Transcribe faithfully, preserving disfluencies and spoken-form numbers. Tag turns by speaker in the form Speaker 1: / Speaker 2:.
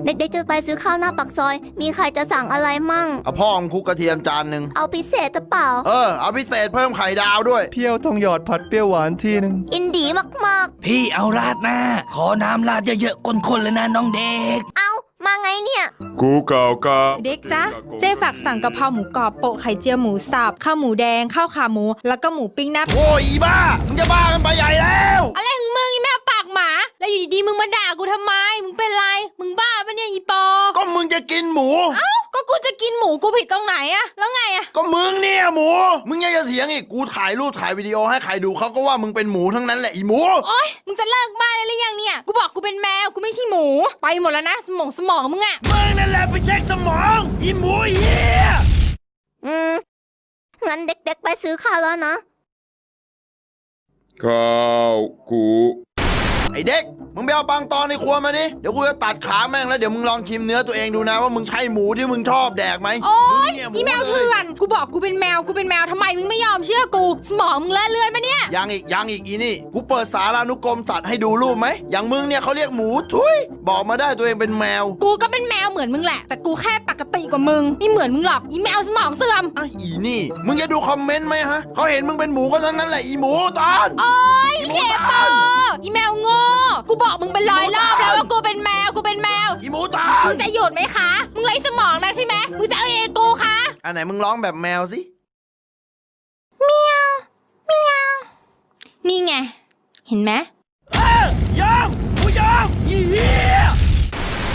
Speaker 1: เด็กๆจะไปซื้อข้าวหน้าปากซอยมีใครจะสั่งอะไรมั่ง
Speaker 2: เอาพ่อของคุกกระเทียมจานหนึ่ง
Speaker 1: เอาพิเศษหรือเปล่า
Speaker 2: เออเอาพิเศษเพิ่มไข่ดาวด้วย
Speaker 3: เพียวทองหยอดผัดเปรี้ยวหวานทีนึง
Speaker 1: อินดีมาก
Speaker 4: ๆพี่เอาราดหน้าขอน้ำราดเยอะๆคนๆเลยนะน้องเด็ก
Speaker 1: เอามาไงเนี่ย
Speaker 2: กูเก่ากะ
Speaker 5: เด็กจ๊ะเจ๊ฝากสั่งกะเพราหมูกรอบโปะไข่เจียวหมูสับข้าวหมูแดงข้าวขาหมูแล้วก็หมูปิ้งนะ
Speaker 2: โอ้ยบ้ามึงจะบ้ากันไปใหญ่แล้ว
Speaker 5: อะไรของมึงอีแม่ปากหมาแล้วอยู่ดีๆมึงมาด่ากูทำไมมึงเป็นไรมึงบ้าปะเนี่ยอีปอ
Speaker 2: ก็มึงจะกินหมู
Speaker 5: เอ้าก็กูจะกินหมูกูผิดตรงไหนอะแล้วไงอะ
Speaker 2: ก็มึงเนี่ยหมูมึงยังจะเถียงอีกกูถ่ายรูปถ่ายวิดีโอให้ใครดูเขาก็ว่ามึงเป็นหมูทั้งนั้นแหละอีหมู
Speaker 5: โอ๊ยมึงจะเลิกบ้าได้หรือยังเนี่ยกูบอกกูเป็นแมวกูไม่ใช่หมูไปหมดแล้วนะสมองสมองมึงอะ
Speaker 2: มึงนั่นแหละไปเช็คสมองอีหมูเหี้ย
Speaker 1: อืมงั้นเด็กๆไปซื้อข้าวแล้วนะ
Speaker 2: ข้าวกูไอเด็กมึงไปเอาปังตอนในครัวมาดิเดี๋ยวกูจะตัดขาแม่งแล้วเดี๋ยวมึงลองชิมเนื้อตัวเองดูนะว่ามึงใช่หมูที่มึงชอบแดกไหม
Speaker 5: โอ๊ยอีแมวเถื่อนกูบอกกูเป็นแมวกูเป็นแมวทำไมมึงไม่ยอมเชื่อกูสมองมึงเลอะเลือนปะเนี่ย
Speaker 2: ยังอีกยังอีกอีนี่กูเปิดสารานุกรมสัตว์ให้ดูรูปไหมอย่างมึงเนี่ยเขาเรียกหมูทุยบอกมาได้ตัวเองเป็นแมว
Speaker 5: กูก็เป็นแมวเหมือนมึงแหละแต่กูแค่ปกติกว่ามึงไม่เหมือนมึงหรอกอีแมวสมองเสื่อม
Speaker 2: อ่ะอีนี่มึงจะดูคอมเมนต์ไหมฮะเขาเห็นมึงเป็นหมูก็เท่านั้นแหละอีหมูตอน
Speaker 5: โอ๊ยเชฟปออีแมวโง่กูบอกมึงเป็นร้อยรอบแล้วว่ากูเป็นแมวกูเป็นแมว
Speaker 2: อีหมูตา
Speaker 5: มึงจะหยุดไหมคะมึงไร้สมองนะใช่ไหมมึงจะเอาเองกูคะ
Speaker 2: อันไหนมึงร้องแบบแมวสิ
Speaker 5: เมียวเมียวนี่ไงเห็นไหม
Speaker 2: เอ้ยยอมกูยอมอีเหี้ย